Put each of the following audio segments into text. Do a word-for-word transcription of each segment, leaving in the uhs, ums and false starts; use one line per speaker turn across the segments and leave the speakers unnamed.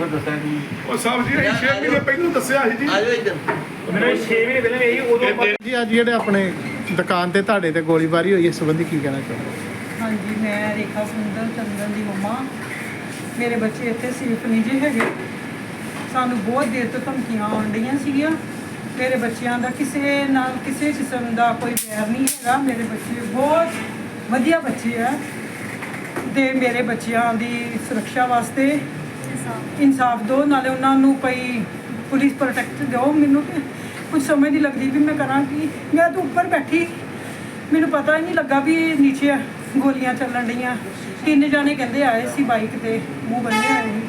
ਕੋ ਦੱਸਿਆ ਜੀ
ਉਹ ਸਾਹਿਬ ਜੀ ਅਸੀਂ ਛੇ ਮਹੀਨੇ ਪਹਿਲਾਂ ਦੱਸਿਆ ਸੀ ਜੀ
ਆਜੋ ਇੱਧਰ
ਮੈਨੂੰ ਛੇ ਮਹੀਨੇ ਪਹਿਲਾਂ ਇਹੀ ਉਦੋਂ
ਜੀ ਅੱਜ ਜਿਹੜੇ ਆਪਣੇ ਦੁਕਾਨ ਤੇ ਤੁਹਾਡੇ ਤੇ ਗੋਲੀਬਾਰੀ ਹੋਈ ਇਸ ਸੰਬੰਧੀ ਕੀ ਕਹਿਣਾ ਚਾਹੁੰਦੇ?
ਹਾਂਜੀ, ਮੈਂ ਰੇਖਾ ਸੁੰਦਰ ਚੰਦਨ ਦੀ ਮੰਮਾ। ਮੇਰੇ ਬੱਚੇ ਇੱਥੇ ਸੇਫ ਨਹੀਂ ਜੇ ਹੈਗੇ। ਸਾਨੂੰ ਬਹੁਤ ਦੇਰ ਤੋਂ ਧਮਕੀਆਂ ਆਉਣ ਡਈਆਂ ਸੀਗੀਆਂ। ਮੇਰੇ ਬੱਚਿਆਂ ਦਾ ਕਿਸੇ ਨਾਲ ਕਿਸੇ ਕਿਸਮ ਦਾ ਕੋਈ ਵੈਰ ਨਹੀਂ ਹੈਗਾ। ਮੇਰੇ ਬੱਚੇ ਬਹੁਤ ਵਧੀਆ ਬੱਚੇ ਆ ਤੇ ਮੇਰੇ ਬੱਚਿਆਂ ਦੀ ਸੁਰੱਖਿਆ ਵਾਸਤੇ ਇਨਸਾਫ ਦਿਓ, ਨਾਲੇ ਉਹਨਾਂ ਨੂੰ ਕੋਈ ਪੁਲਿਸ ਪ੍ਰੋਟੈਕਟ ਦਿਓ। ਮੈਨੂੰ ਤੇ ਕੁਝ ਸਮਝ ਨਹੀਂ ਲੱਗਦੀ ਵੀ ਮੈਂ ਕਰਾਂ ਕੀ। ਮੈਂ ਤਾਂ ਉੱਪਰ ਬੈਠੀ, ਮੈਨੂੰ ਪਤਾ ਹੀ ਨਹੀਂ ਲੱਗਾ ਵੀ ਨੀਚੇ ਗੋਲੀਆਂ ਚੱਲਣ ਡੀਆਂ। ਤਿੰਨ ਜਾਣੇ ਕਹਿੰਦੇ ਆਏ ਸੀ ਬਾਈਕ ਤੇ, ਮੂੰਹ ਬੰਨੇ ਆਏ ਸੀ।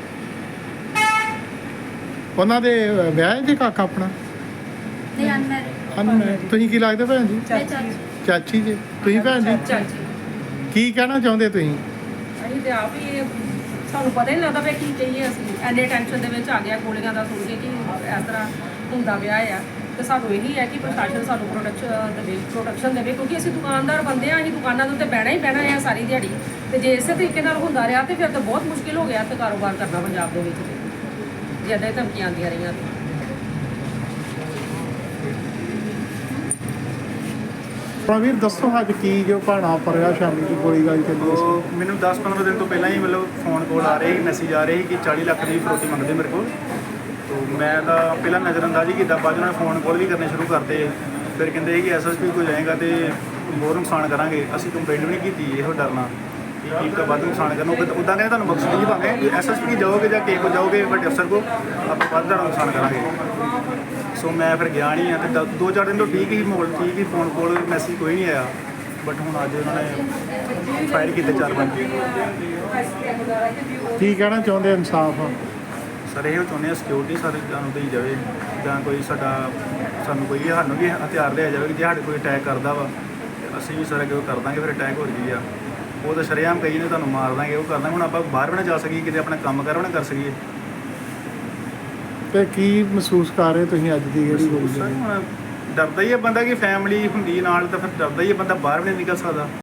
ਉਹਨਾਂ ਦੇ ਵਿਆਹ ਜੀ ਕਾਕਾ ਆਪਣਾ
ਨਹੀਂ ਅਨਮੈਰਿਡ
ਅਨਮੈਰਿਡ। ਤੁਸੀਂ ਕੀ ਲੱਗਦੇ ਭੈਣ ਜੀ?
ਚਾਚੀ
ਚਾਚੀ ਜੀ। ਤੁਸੀਂ ਭੈਣ ਜੀ
ਚਾਚੀ
ਕੀ ਕਹਿਣਾ ਚਾਹੁੰਦੇ ਤੁਸੀਂ?
ਅਸੀਂ ਤੇ ਆਪ ਹੀ ਸਾਨੂੰ ਪਤਾ ਹੀ ਨਹੀਂ ਲੱਗਦਾ ਵੀ ਕੀ ਕਹੀਏ। ਅਸੀਂ ਐਨੇ ਟੈਨਸ਼ਨ ਦੇ ਵਿੱਚ ਆ ਗਿਆ ਗੋਲੀਆਂ ਦਾ ਸੁਣ ਕੇ ਕਿ ਇਸ ਤਰ੍ਹਾਂ ਹੁੰਦਾ ਪਿਆ ਆ। ਤੇ ਸਾਨੂੰ ਇਹੀ ਹੈ ਕਿ ਪ੍ਰਸ਼ਾਸਨ ਸਾਨੂੰ ਪ੍ਰੋਟੈਕਸ਼ਨ ਦੇਵੇ ਪ੍ਰੋਟੈਕਸ਼ਨ ਦੇਵੇ ਕਿਉਂਕਿ ਅਸੀਂ ਦੁਕਾਨਦਾਰ ਬੰਦੇ ਆ। ਅਸੀਂ ਦੁਕਾਨਾਂ ਦੇ ਉੱਤੇ ਬਹਿਣਾ ਹੀ ਬਹਿਣਾ ਆ ਸਾਰੀ ਦਿਹਾੜੀ। ਤੇ ਜੇ ਇਸੇ ਤਰੀਕੇ ਨਾਲ ਹੁੰਦਾ ਰਿਹਾ ਤੇ ਫਿਰ ਤਾਂ ਬਹੁਤ ਮੁਸ਼ਕਿਲ ਹੋ ਗਿਆ ਤੇ ਕਾਰੋਬਾਰ ਕਰਨਾ ਪੰਜਾਬ ਦੇ ਵਿੱਚ ਤੇ ਜਿਆਦਾ ਧਮਕੀਆਂ ਆਉਂਦੀਆਂ ਰਹੀਆਂ ਤੇ
ਪ੍ਰਵੀਰ ਦੱਸੋ ਅੱਜ ਕੀ ਜੋ ਭਾਣਾ ਪਰਿਆ ਸ਼ਾਮੀ ਦੀ ਗੋਲੀ ਗਾਲੀ ਚੱਲੀ ਸੀ?
ਉਹ ਮੈਨੂੰ ਦਸ ਪੰਦਰਾਂ ਦਿਨ ਤੋਂ ਪਹਿਲਾਂ ਹੀ ਮਤਲਬ ਫੋਨ ਕਾਲ ਆ ਰਹੇ ਸੀ, ਮੈਸੇਜ ਆ ਰਹੇ ਸੀ ਕਿ ਚਾਲੀ ਲੱਖ ਦੀ ਫਰੋਤੀ ਮੰਗਦੇ ਮੇਰੇ ਕੋਲ। ਤੋ ਮੈਂ ਤਾਂ ਪਹਿਲਾਂ ਨਜ਼ਰਅੰਦਾਜ਼ੀ ਕੀਤਾ, ਬਾਅਦ ਉਹਨਾਂ ਨੇ ਫੋਨ ਕਾਲ ਵੀ ਕਰਨੇ ਸ਼ੁਰੂ ਕਰਤੇ। ਫਿਰ ਕਹਿੰਦੇ ਕਿ ਐਸ ਐਸ ਪੀ ਕੋਲ ਜਾਏਗਾ ਤੇ ਹੋਰ ਨੁਕਸਾਨ ਕਰਾਂਗੇ। ਅਸੀਂ ਕੰਪਲੇਂਟ ਵੀ ਨਹੀਂ ਕੀਤੀ ਇਹੋ ਡਰਨਾ ਕਿ ਕੀ ਵੱਧ ਨੁਕਸਾਨ ਕਰਨਾ। ਉੱਦਾਂ ਕਹਿੰਦੇ ਤੁਹਾਨੂੰ ਬਖਸ਼ ਨਹੀਂ ਪਾਵਾਂਗੇ, ਐਸ ਐਸ ਪੀ ਜਾਓਗੇ ਜਾਂ ਕਿਸੇ ਕੋਲ ਜਾਓਗੇ ਵੱਡੇ ਅਫਸਰ ਕੋਲ, ਆਪਾਂ ਵੱਧ ਦਾ ਨੁਕਸਾਨ ਕਰਾਂਗੇ। ਸੋ ਮੈਂ ਫਿਰ ਗਿਆ ਨਹੀਂ ਆ ਤੇ ਦ- ਦੋ ਚਾਰ ਦਿਨ ਤੋਂ ਠੀਕ ਹੀ ਮਾਹੌਲ ਠੀਕ ਹੀ, ਫੋਨ ਕਾਲ ਮੈਸੇਜ ਕੋਈ ਨਹੀਂ ਆਇਆ। ਬਟ ਹੁਣ ਅੱਜ ਉਹਨਾਂ ਨੇ ਫਾਇਰ ਕੀਤੇ ਚਾਰ ਪੰਜ।
ਕੀ ਕਹਿਣਾ ਚਾਹੁੰਦੇ ਇਨਸਾਫ?
ਸਰ ਇਹ ਚਾਹੁੰਦੇ ਹਾਂ ਸਿਕਿਉਰਿਟੀ ਸਾਰੇ ਸਾਨੂੰ ਦੇਈ ਜਾਵੇ, ਜਾਂ ਕੋਈ ਸਾਡਾ ਸਾਨੂੰ ਕੋਈ ਸਾਨੂੰ ਵੀ ਹਥਿਆਰ ਲਿਆ ਜਾਵੇ ਕਿ ਜੇ ਸਾਡੇ ਕੋਈ ਅਟੈਕ ਕਰਦਾ ਵਾ ਤੇ ਅਸੀਂ ਵੀ ਸਾਰੇ ਅੱਗੇ ਕਰ ਦਾਂਗੇ। ਫਿਰ ਅਟੈਕ ਹੋ ਰਹੀ ਆ ਉਹ ਤਾਂ ਸ਼ਰੇਆਮ ਕਹੀ ਨੇ ਤੁਹਾਨੂੰ ਮਾਰ ਦਾਂਗੇ, ਉਹ ਕਰ ਦਾਂਗੇ। ਹੁਣ ਆਪਾਂ ਬਾਹਰ ਵੀ ਨਾ ਜਾ ਸਕੀਏ, ਕਿਤੇ ਆਪਣਾ ਕੰਮ ਕਰ ਵੀ ਨਾ ਕਰ ਸਕੀਏ।
ਤੇ ਕੀ ਮਹਿਸੂਸ ਕਰ ਰਹੇ ਤੁਸੀਂ ਅੱਜ ਦੀ ਜਿਹੜੀ ਗੋਲੀ
ਸਰ
ਚੱਲੀ?
ਹੁਣ ਡਰਦਾ ਹੀ ਹੈ ਬੰਦਾ ਕਿ ਫੈਮਿਲੀ ਹੁੰਦੀ ਨਾਲ, ਤਾਂ ਫਿਰ ਡਰਦਾ ਹੀ ਹੈ ਬੰਦਾ, ਬਾਹਰ ਵੀ ਨਹੀਂ ਨਿਕਲ ਸਕਦਾ।